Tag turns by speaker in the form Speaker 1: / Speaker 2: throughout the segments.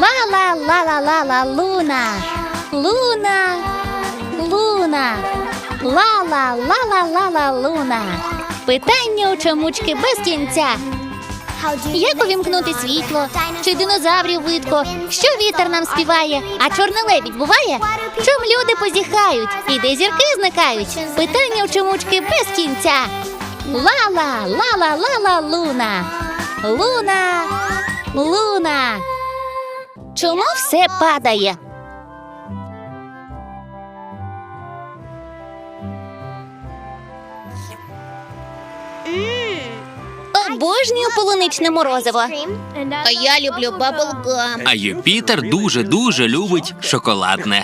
Speaker 1: Ла-ла-ла-ла-ла-ла, Луна. Луна. Луна. Ла-ла-ла-ла-ла-ла, Луна. Питання у чомучки без кінця. Як увімкнути світло? Чи динозаврів видко? Що вітер нам співає? А чорний лебідь буває? Чом люди позіхають? І де зірки зникають? Питання у чомучки без кінця. Ла-ла, ла-ла-ла-ла, Луна. Луна. Луна. Чому все падає? Обожнюю полуничне морозиво.
Speaker 2: А я люблю баблгам.
Speaker 3: А Юпітер дуже-дуже любить шоколадне.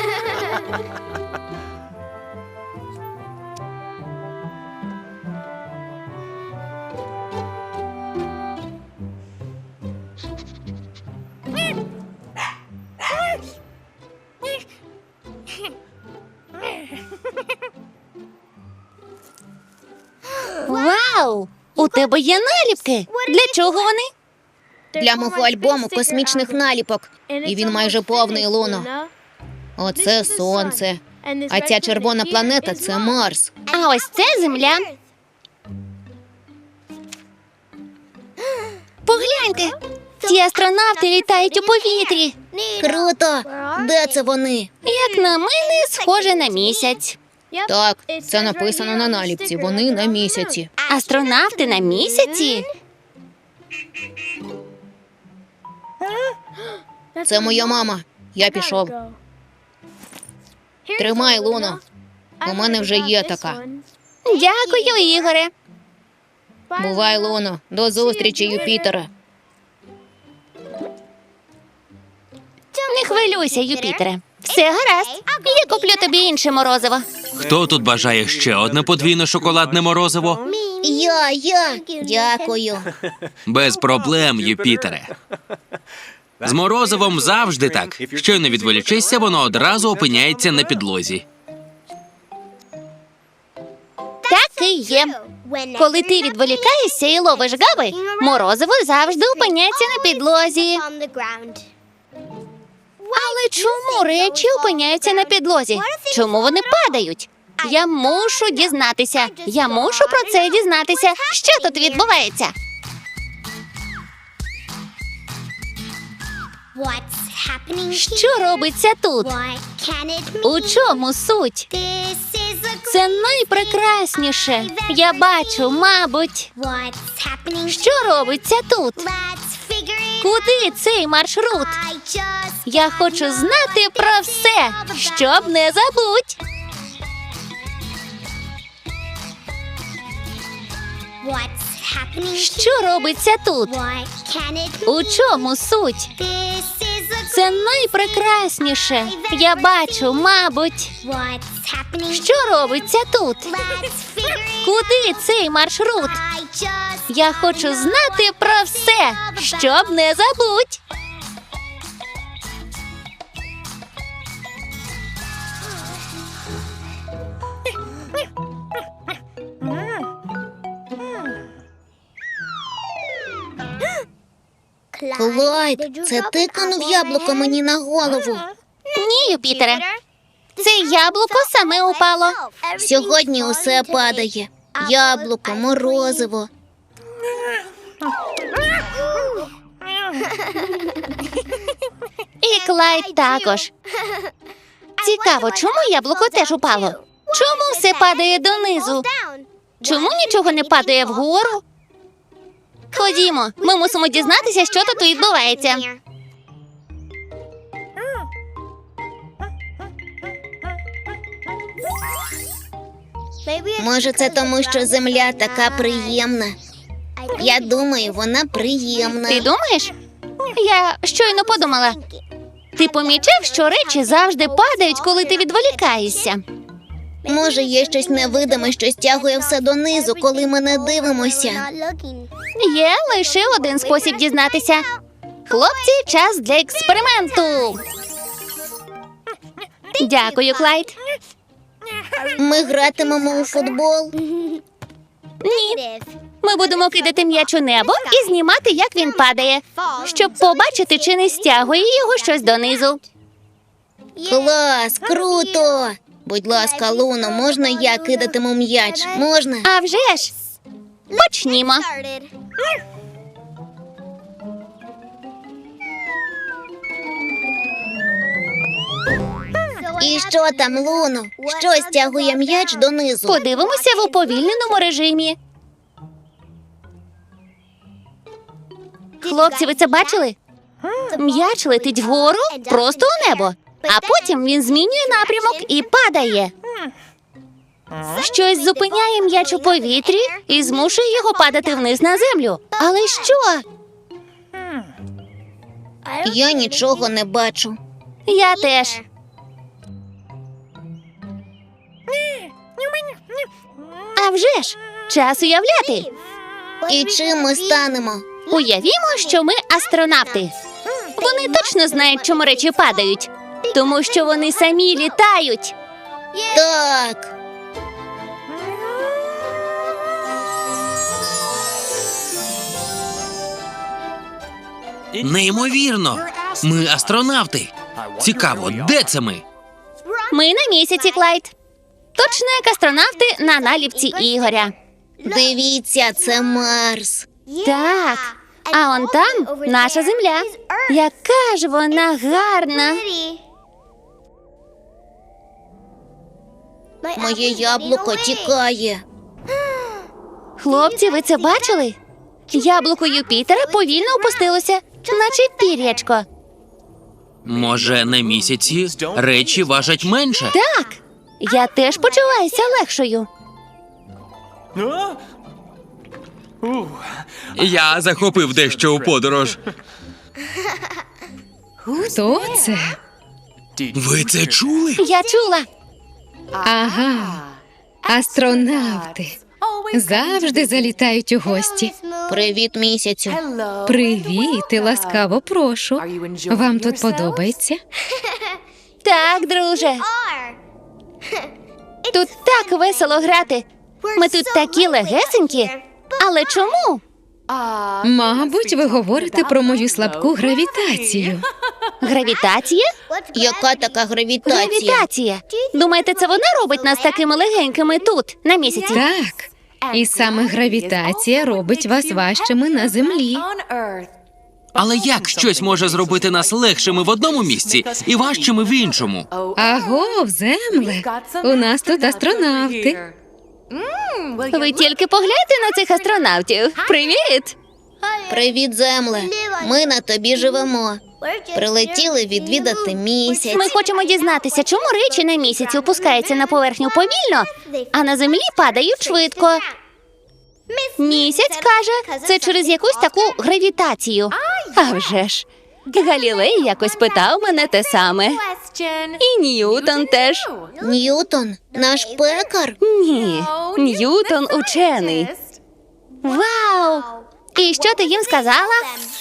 Speaker 1: Вау! У тебе є наліпки. Для чого вони?
Speaker 2: Для мого альбому космічних наліпок. І він майже повний, Луно. Оце сонце. А ця червона планета – це Марс.
Speaker 1: А ось це Земля. Погляньте, ці астронавти літають у повітрі.
Speaker 2: Круто! Де це вони?
Speaker 1: Як на мене, схоже на місяць.
Speaker 2: Так, це написано на наліпці. Вони на місяці.
Speaker 1: Астронавти на місяці?
Speaker 2: Це моя мама. Я пішов. Тримай, Луно. У мене вже є така.
Speaker 1: Дякую, Ігоре.
Speaker 2: Бувай, Луно. До зустрічі, Юпітере.
Speaker 1: Не хвилюйся, Юпітере. Все гаразд. Я куплю тобі інше морозиво.
Speaker 3: Хто тут бажає ще одне подвійне шоколадне морозиво?
Speaker 2: Я. Дякую.
Speaker 3: Без проблем, Юпітере. З морозивом завжди так. Щойно відволічишся, воно одразу опиняється на підлозі.
Speaker 1: Так і є. Коли ти відволікаєшся і ловиш гави, морозиво завжди опиняється на підлозі. Але чому речі опиняються на підлозі? Чому вони падають? Я мушу дізнатися. Я мушу про це дізнатися. Що тут відбувається? Що робиться тут? У чому суть? Це найпрекрасніше. Я бачу, мабуть. Що робиться тут? Куди цей маршрут? Я хочу знати про все, щоб не забудь. Що робиться тут? У чому суть? Це найпрекрасніше. Я бачу, мабуть. Що робиться тут? Куди цей маршрут? Я хочу знати про все, щоб не забудь.
Speaker 2: Клайд, це ти кинув яблуко мені на голову.
Speaker 1: Ні, Юпітере. Це яблуко саме упало.
Speaker 2: Сьогодні усе падає. Яблуко, морозиво.
Speaker 1: І Клайд також. Цікаво, чому яблуко теж упало? Чому все падає донизу? Чому нічого не падає вгору? Ходімо, ми мусимо дізнатися, що тут відбувається.
Speaker 2: Може, це тому, що земля така приємна. Я думаю, вона приємна.
Speaker 1: Ти думаєш? Я щойно подумала. Ти помічав, що речі завжди падають, коли ти відволікаєшся?
Speaker 2: Може, є щось невидиме, що стягує все донизу, коли ми не дивимося.
Speaker 1: Є лише один спосіб дізнатися. Хлопці, час для експерименту. Дякую, Клайд.
Speaker 2: Ми гратимемо у футбол.
Speaker 1: Ні. Ми будемо кидати м'яч у небо і знімати, як він падає, щоб побачити, чи не стягує його щось донизу.
Speaker 2: Клас, круто! Будь ласка, Луно, можна я кидатиму м'яч? Можна?
Speaker 1: А вже ж! Почнімо.
Speaker 2: І що там, Луно? Що стягує м'яч донизу?
Speaker 1: Подивимося в уповільненому режимі. Хлопці, ви це бачили? М'яч летить вгору, просто у небо. А потім він змінює напрямок і падає. Щось зупиняє м'яч у повітрі і змушує його падати вниз на землю. Але що?
Speaker 2: Я нічого не бачу.
Speaker 1: Я теж. А вже ж! Час уявляти.
Speaker 2: І чим ми станемо?
Speaker 1: Уявімо, що ми астронавти. Вони точно знають, чому речі падають. Тому що вони самі літають.
Speaker 2: Так.
Speaker 3: Неймовірно! Ми астронавти. Цікаво, де це ми?
Speaker 1: Ми на місяці, Клайд. Точно як астронавти на наліпці Ігоря.
Speaker 2: Дивіться, це Марс.
Speaker 1: Так. А он там наша земля. Яка ж вона гарна.
Speaker 2: Моє яблуко тікає.
Speaker 1: Хлопці, ви це бачили? Яблуко Юпітера повільно опустилося, наче пір'ячко.
Speaker 3: Може, на місяці речі важать менше?
Speaker 1: Так, я теж почуваюся легшою.
Speaker 3: Я захопив дещо у подорож.
Speaker 4: Хто це?
Speaker 3: Ви це чули?
Speaker 1: Я чула.
Speaker 4: Ага, астронавти. Завжди залітають у гості.
Speaker 2: Привіт, місяцю.
Speaker 4: Привіт і ласкаво прошу. Вам тут подобається?
Speaker 1: Так, друже. Тут так весело грати. Ми тут такі легесенькі. Але чому?
Speaker 4: Мабуть, ви говорите про мою слабку гравітацію.
Speaker 1: Гравітація?
Speaker 2: Яка така гравітація?
Speaker 1: Гравітація. Думаєте, це вона робить нас такими легенькими тут, на місяці?
Speaker 4: Так, і саме гравітація робить вас важчими на землі.
Speaker 3: Але як щось може зробити нас легшими в одному місці і важчими в іншому?
Speaker 4: Агов, земле, у нас тут астронавти.
Speaker 1: Ви тільки погляньте на цих астронавтів. Привіт!
Speaker 2: Привіт, земле. Ми на тобі живемо. Прилетіли відвідати місяць.
Speaker 1: Ми хочемо дізнатися, чому речі на місяці опускаються на поверхню повільно, а на землі падають швидко. Місяць каже, це через якусь таку гравітацію. А вже ж. Галілей якось питав мене те саме. І Ньютон теж.
Speaker 2: Ньютон, наш пекар.
Speaker 1: Ні, Ньютон учений. Вау! І що ти їм сказала?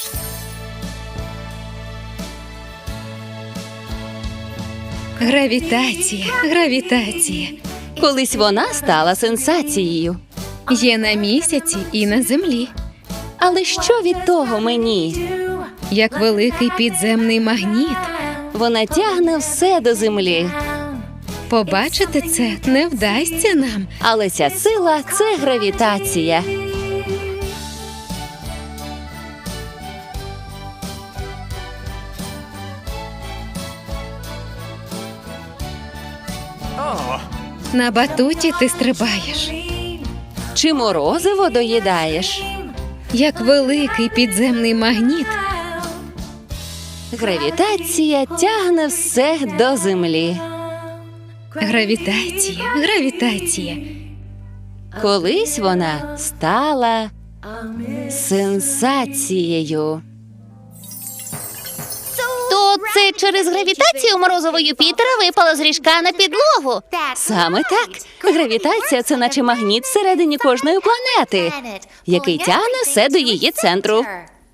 Speaker 4: Гравітація, гравітація.
Speaker 1: Колись вона стала сенсацією.
Speaker 4: Є на місяці і на землі.
Speaker 1: Але що від того мені?
Speaker 4: Як великий підземний магніт.
Speaker 1: Вона тягне все до землі.
Speaker 4: Побачити це не вдасться нам.
Speaker 1: Але ця сила – це гравітація.
Speaker 4: На батуті ти стрибаєш.
Speaker 1: Чи морозиво доїдаєш?
Speaker 4: Як великий підземний магніт.
Speaker 1: Гравітація тягне все до землі.
Speaker 4: Гравітація, гравітація.
Speaker 1: Колись вона стала сенсацією. То це через гравітацію морозиво Юпітера випало з ріжка на підлогу. Саме так. Гравітація – це наче магніт всередині кожної планети, який тягне все до її центру.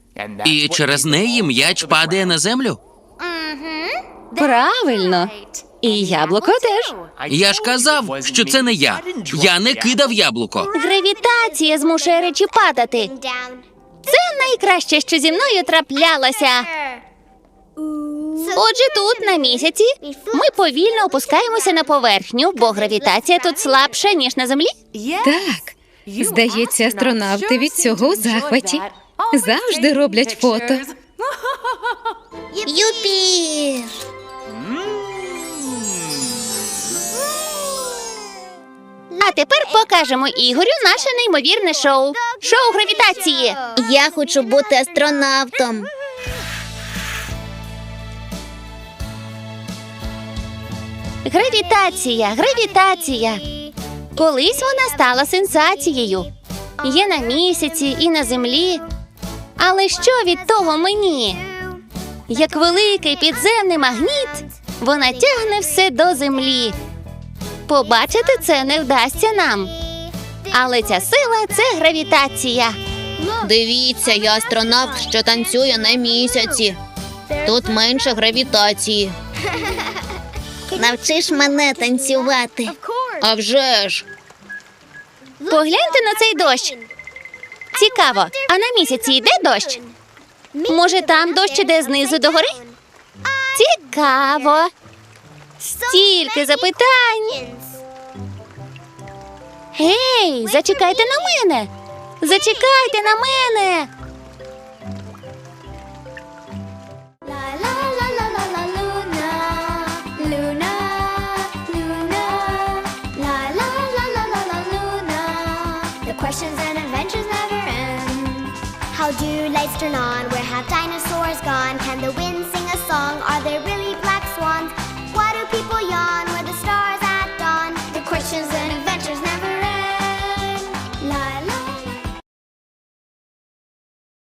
Speaker 3: І через неї м'яч падає на землю?
Speaker 1: Правильно.
Speaker 4: І яблуко теж.
Speaker 3: Я ж казав, що це не я. Я не кидав яблуко.
Speaker 1: Гравітація змушує речі падати. Це найкраще, що зі мною траплялося. Отже, тут, на місяці, ми повільно опускаємося на поверхню, бо гравітація тут слабша, ніж на землі.
Speaker 4: Так. Здається, астронавти від цього у захваті. Завжди роблять фото.
Speaker 1: Юпі! А тепер покажемо Ігорю наше неймовірне шоу. Шоу гравітації.
Speaker 2: Я хочу бути астронавтом.
Speaker 1: Гравітація. Колись вона стала сенсацією. Є на місяці і на землі. Але що від того мені? Як великий підземний магніт, вона тягне все до землі. Побачити це не вдасться нам. Але ця сила – це гравітація.
Speaker 2: Дивіться, я астронавт, що танцює на місяці. Тут менше гравітації. Навчиш мене танцювати. А вже ж.
Speaker 1: Погляньте на цей дощ. Цікаво, а на місяці йде дощ? Може, там дощ іде знизу до гори? Цікаво. Стільки запитань. Гей, зачекайте на мене. Зачекайте на мене.
Speaker 5: Questions and adventures never end. How do lights turn on? Where have dinosaurs gone? Can the wind sing a song? Are there really